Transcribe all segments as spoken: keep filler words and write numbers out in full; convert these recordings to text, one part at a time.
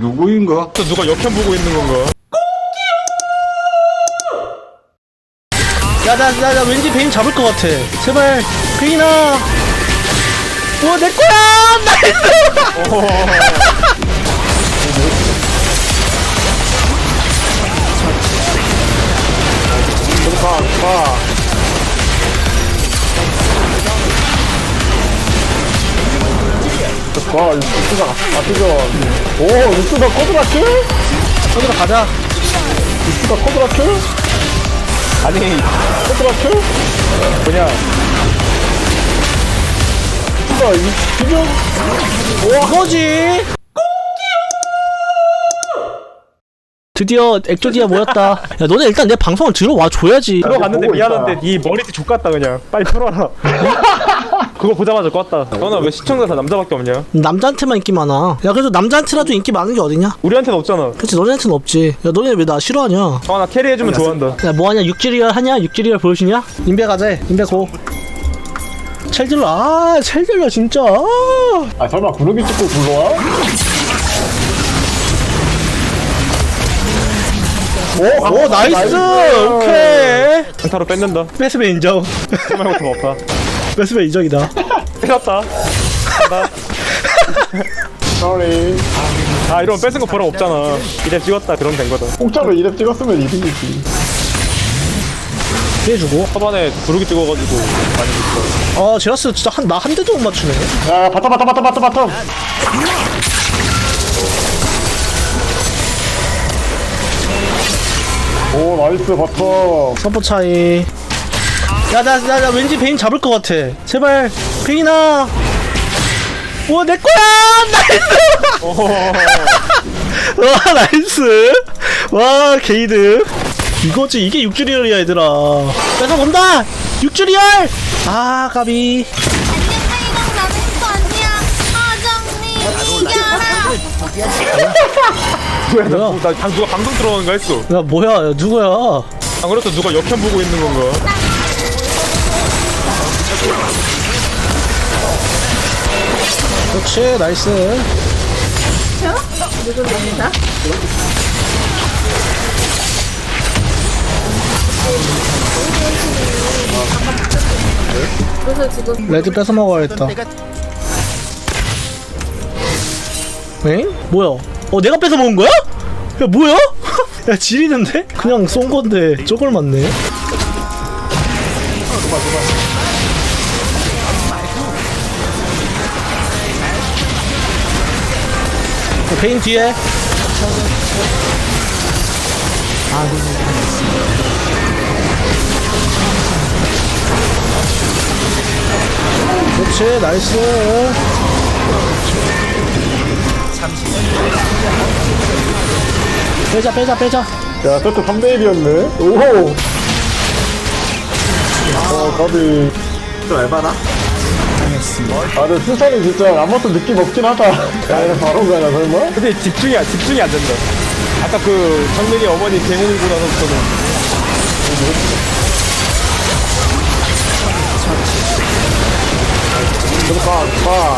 누구인가? 또 누가 역현 보고 있는 건가? 야, 나, 나, 나 왠지 베인 잡을 것 같아. 제발, 베인아. 우와, 내 거야! 나이스! 가, 가. 와, 루스가 아프죠. 오, 루스가 코드라킬? 거기로 가자. 루스가 코드라킬? 아니, 코드라킬? 그냥. 루스가 이, 지금? 이거지! 드디어 액조디아 모였다. 야, 너네 일단 내 방송을 들어와 줘야지. 들어갔는데 보고 있다. 미안한데 이 머리띠 족같다 그냥. 빨리 풀어라. 그거 보자마자 껐다. 너는 왜 시청자 다 남자밖에 없냐? 남자한테만 인기 많아. 야, 그래도 남자한테라도 인기 많은 게 어디냐? 우리한테는 없잖아. 그치, 너네한테는 없지. 야, 너네 왜 나 싫어하냐? 아, 나 캐리해주면 좋아한다. 야, 뭐하냐? 육지리얼 하냐? 육지리얼 보여주냐? 인베 가자. 인베 고. 첼딜러, 아, 첼딜러 진짜. 아. 아, 설마 구르기 찍고 불러와? 오, 오, 나이스! 오케이. 강타로 뺏는다. 패스베 인정. 그 말고 좀 없다. 패스베 인정이다. 뺏었다. 간다. sorry. 아, 이러면 뺏은 거 보람 없잖아. 이래 찍었다. 그러면 된 거다. 공짜로 이랩 찍었으면 이득이지. 피해주고. 초반에 부르기 찍어가지고 많이 죽어. 아, 제라스 진짜 한, 나 한 대도 못 맞추네. 야, 바텀, 바텀, 바텀, 바텀, 바텀. 오, 나이스, 바텀. 서포 차이. 야, 나, 나, 나 왠지 베인 잡을 것 같아. 제발, 베인아. 우와, 내 거야! 나이스! 와, 나이스! 와, 게이드. 이거지, 이게 육주리얼이야, 얘들아. 뺏어 본다! 육주리얼! 아, 까비. 뭐야, 나, 뭐야? 나 방, 누가 방송 들어오는 거 했어. 야, 뭐야, 야, 누구야? 안 그래도 누가 역현 보고 있는 건가? 그렇지, 나이스. 그래서 지금 레드 뺏어 먹어야겠다. 엥? 뭐야? 어, 내가 뺏어 먹은 거야? 야, 뭐야? 야, 지리는데? 그냥 쏜 건데 쪼글 맞네. 어, 베인 뒤에. 그렇지, 나이스. 빼자, 빼자, 빼자. 야, 세트 삼 대 일이었네. 오호. 어, 가비. 좀 알바나? 아, 근데 수산이 진짜 아무것도 느낌 없긴 하다. 야, 이거 바로 가나, 설마? 근데 집중이, 안- 집중이 안 된다. 아까 그 정민이 어머니 개몽이고 나서부터는. 좀 가, 가.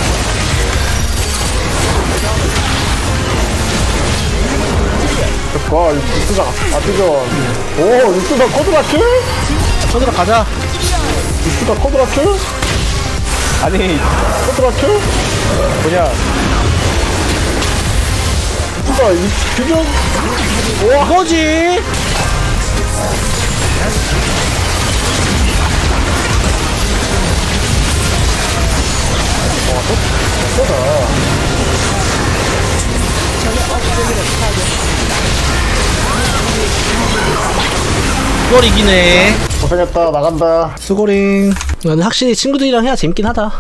가, 루스가 아프죠. 오, 루스가 코드라킬? 저기로 가자. 루스가 코드라킬? 아니, 코드라킬? 뭐냐. 루스가 이, 지금? 이거지. 이걸 이기네. 고생했다, 나간다. 수고링. 근데 확실히 친구들이랑 해야 재밌긴 하다.